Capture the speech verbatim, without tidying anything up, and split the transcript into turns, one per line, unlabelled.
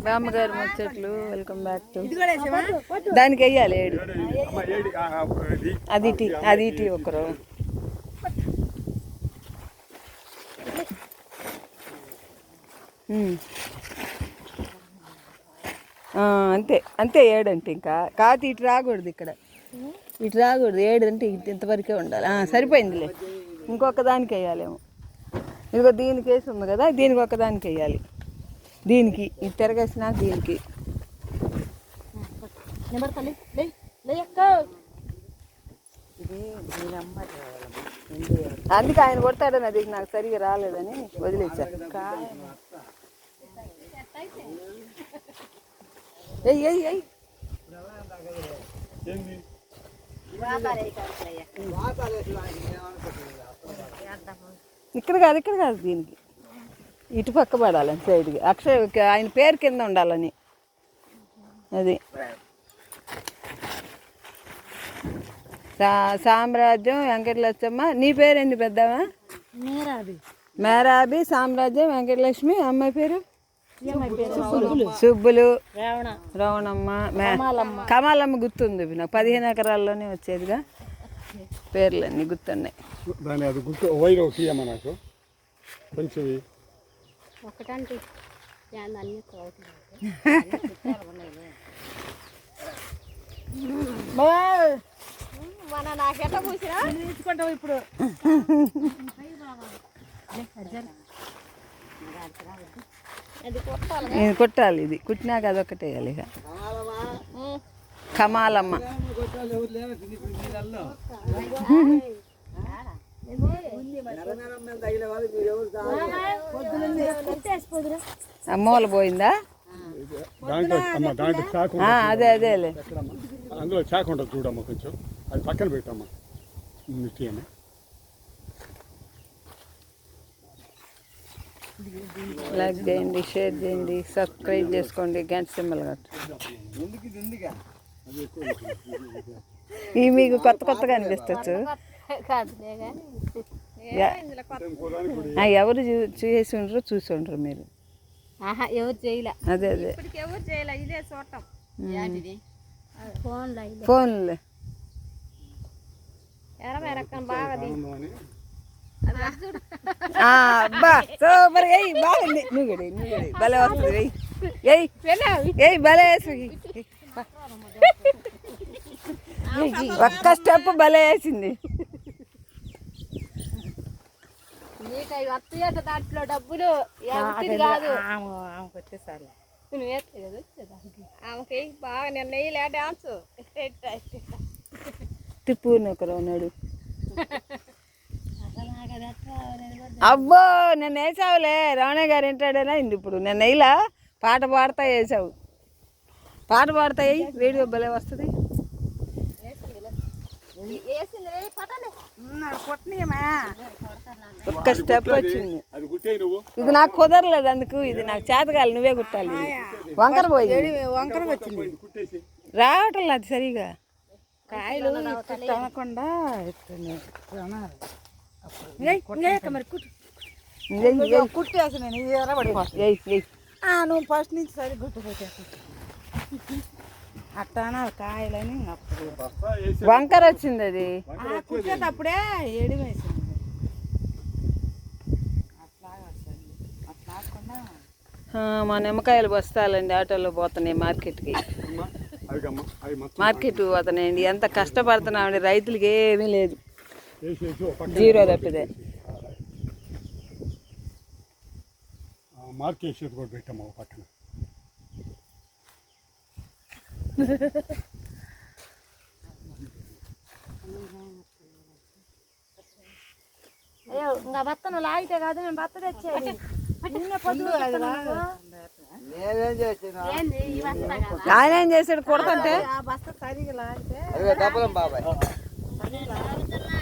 బామ్మగారు ముచ్చట్లు. Welcome back to. దానికి వెయ్యాలి ఏడు. అది ఇటీ అది ఇటీ ఒకరు. అంతే అంతే ఏడు అంటే ఇంకా కాదు ఇటు రాకూడదు, ఇక్కడ ఇటు రాకూడదు. ఏడు అంటే ఇంతవరకే ఉండాలి. సరిపోయిందిలే, ఇంకొక దానికి వేయాలేమో. ఇదిగో దీనికి వేసి ఉంది కదా, దీనికి ఒకదానికి వేయాలి. దీనికి ఇది తిరగేసిన దీనికి. అందుకే ఆయన కొడతాడని అది నాకు సరిగా రాలేదని వదిలేశారు. ఎయ్ ఎయ్ ఎయ్ ఇక్కడ కాదు, ఇక్కడ కాదు, దీనికి ఇటు పక్క పడాలని సైడ్కి. అక్షయ్ ఆయన పేరు కింద ఉండాలని. అది సామ్రాజ్యం వెంకటలక్ష్మ. నీ పేరేంటి పెద్దమ్మా? మేరాబి. మేరాబి సామ్రాజ్యం వెంకటలక్ష్మి. అమ్మాయి పేరు సుబ్బులు. రవణమ్మ. కమాలమ్మ గుర్తుంది నాకు, పదిహేను ఎకరాల్లోనే వచ్చేదిగా. పేర్లన్నీ గుర్తున్నాయి. ఇప్పుడు కొట్టాలి. ఇది కుట్టినాక అదొకటి వేయాలి. ఇక కమాలమ్మ. అమ్మోలు పోయిందా? అదే అదేలే.
అందులో చాకు ఉంటుంది చూడమ్మా, కొంచెం అది పక్కన పెట్టమ్మా. మిట్టి అని
లైక్ చేయండి, షేర్ చేయండి, సబ్స్క్రైబ్ చేసుకోండి, గంట సింబల్ కట్టు. ఇవి మీకు కొత్త కొత్తగా అనిపిస్తచ్చు. ఎవరు చేసి ఉండరు, చూసి ఉండరు మీరు.
ఎవరు చేయలే.
అదే అదే
ఎవరు చేయలే, ఇదే చూడటం.
ఫోన్లే
బాగా
అబ్బా సూపర్. ఎయ్ బాగుంది. నువ్వుగడి నువ్వుగడి భలే వస్తుంది. ఎయ్ ఎయ్ భలే వేసి ఒక్క స్టెప్ భలే వేసింది.
దాంట్లో డబ్బులు కాదు, ఆమెకి బాగా నిన్న వేయలే డాన్స్.
తిప్పు ఒకరు ఉన్నాడు. అబ్బో నేను వేసావులే, రమణ గారు వింటాడేనా ఇంది. ఇప్పుడు నేను వేయలా, పాట పాడతా వేసావు. పాట పాడతాయి, వీడియో భలే వస్తుంది. ఒక్క స్టెప్ వచ్చింది. ఇది నాకు కుదరలేదు, అందుకు ఇది నాకు చేతగాలి. నువ్వే కుట్టాలి. వంకర పోయింది, వంకర వచ్చింది, రావటం లేదు సరిగా. కాయలు అనకుండా కుట్టేసి నేను నువ్వు ఫస్ట్ నుంచి సరి గుట్టు పెట్టేసి అట్టానా కాయలని. అప్పుడు వంకర వచ్చింది, అది కుట్టేటప్పుడే ఏడి వేసింది. మా నిమ్మకాయలు బస్తాలండి ఆటోలో పోతున్నాయి మార్కెట్కి. మార్కెట్ పోతున్నాయండి. ఎంత కష్టపడుతున్నామండి, రైతులకి ఏమీ లేదు, జీరో తప్పిదే.
మార్కెట్ కూడా పెట్టాము పక్కన.
అయ్యో ఇంకా భర్త నువ్వు లాగితే కాదు, నేను భర్త తెచ్చేది.
ఆయన ఏం చేశాడు కొడుతుంటే
బస్తా సరిగా లాగితే